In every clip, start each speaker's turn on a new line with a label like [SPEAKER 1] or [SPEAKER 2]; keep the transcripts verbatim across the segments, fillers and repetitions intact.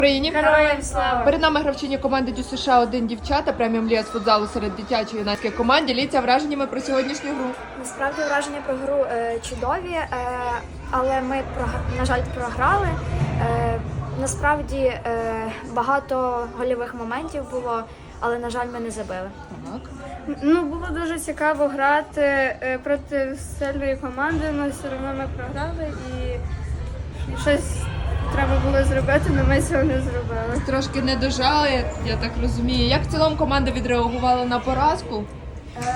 [SPEAKER 1] Україні.
[SPEAKER 2] Героям слава!
[SPEAKER 1] Перед нами гравчині команди Дю США один дівчата, преміум ліга з футзалу серед дитячої юнацької команд. Діліться враженнями про сьогоднішню гру.
[SPEAKER 2] Насправді враження про гру е, чудові, е, але ми, прог- на жаль, програли. Е, насправді е, багато гольових моментів було, але, на жаль, ми не забили.
[SPEAKER 1] Так.
[SPEAKER 3] Ну, було дуже цікаво грати е, проти сильної команди, але все одно ми програли і щось треба було зробити, але ми цього не зробили.
[SPEAKER 1] Трошки не дожали, я так розумію. Як в цілому команда відреагувала на поразку?
[SPEAKER 2] Е,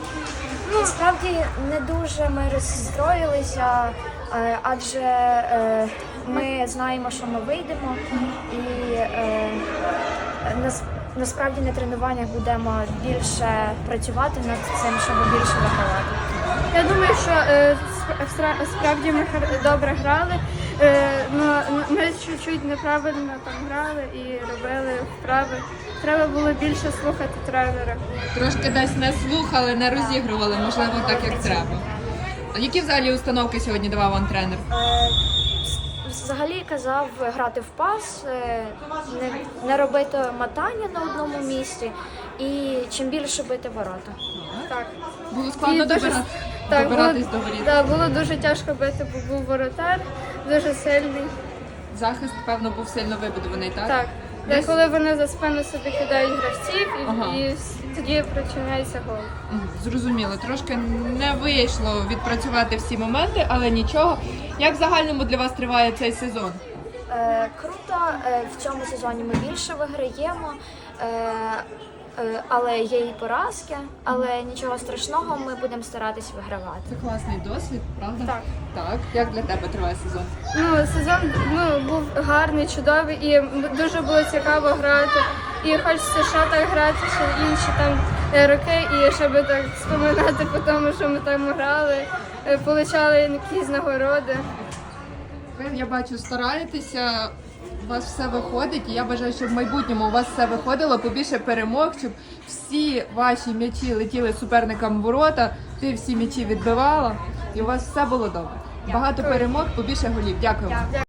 [SPEAKER 2] насправді не дуже ми розстроїлися, е, адже е, ми знаємо, що ми вийдемо, і е, нас, насправді на тренуваннях будемо більше працювати над цим, щоб більше вигравати.
[SPEAKER 3] Я думаю, що е, сп- сра- справді ми хар- добре грали, е, но ми чуть-чуть неправильно там грали і робили вправи. Треба було більше слухати тренера.
[SPEAKER 1] Трошки десь не слухали, не розігрували, можливо, так як треба. А які взагалі установки сьогодні давав вам тренер?
[SPEAKER 2] Е, Взагалі казав грати в пас, е, не, не робити мотання на одному місці і чим більше бити ворота.
[SPEAKER 3] Так.
[SPEAKER 1] Було складно
[SPEAKER 3] І дуже-
[SPEAKER 1] добира...
[SPEAKER 3] Так,
[SPEAKER 1] добиратись
[SPEAKER 3] було,
[SPEAKER 1] до воріт.
[SPEAKER 3] да, було дуже тяжко бити, бо був воротар, дуже сильний.
[SPEAKER 1] Захист, певно, був сильно вибудований, так?
[SPEAKER 3] Так.
[SPEAKER 1] Десь-
[SPEAKER 3] Коли вони за спину собі кидають гравців, і,
[SPEAKER 1] Ага.
[SPEAKER 3] і с- тоді причиняється гол.
[SPEAKER 1] Мгм, зрозуміло, трошки не вийшло відпрацювати всі моменти, але нічого. Як в загальному для вас триває цей сезон?
[SPEAKER 2] Е, круто, е, в цьому сезоні ми більше виграємо, е, е, але є і поразки, але нічого страшного, ми будемо старатись вигравати.
[SPEAKER 1] Це класний досвід, правда?
[SPEAKER 3] Так.
[SPEAKER 1] Так. Як для тебе триває сезон?
[SPEAKER 3] Ну, сезон ну, був гарний, чудовий і м- дуже було цікаво грати. І хочеться ще так грати, ще інші там е, роки, і щоб так споминати по тому, що ми там грали, е, получали якісь нагороди.
[SPEAKER 1] Ви, я бачу, стараєтеся, у вас все виходить, і я бажаю, щоб в майбутньому у вас все виходило, побільше перемог, щоб всі ваші м'ячі летіли суперникам в ворота, ти всі м'ячі відбивала, і у вас все було добре. Багато перемог, побільше голів. Дякую вам.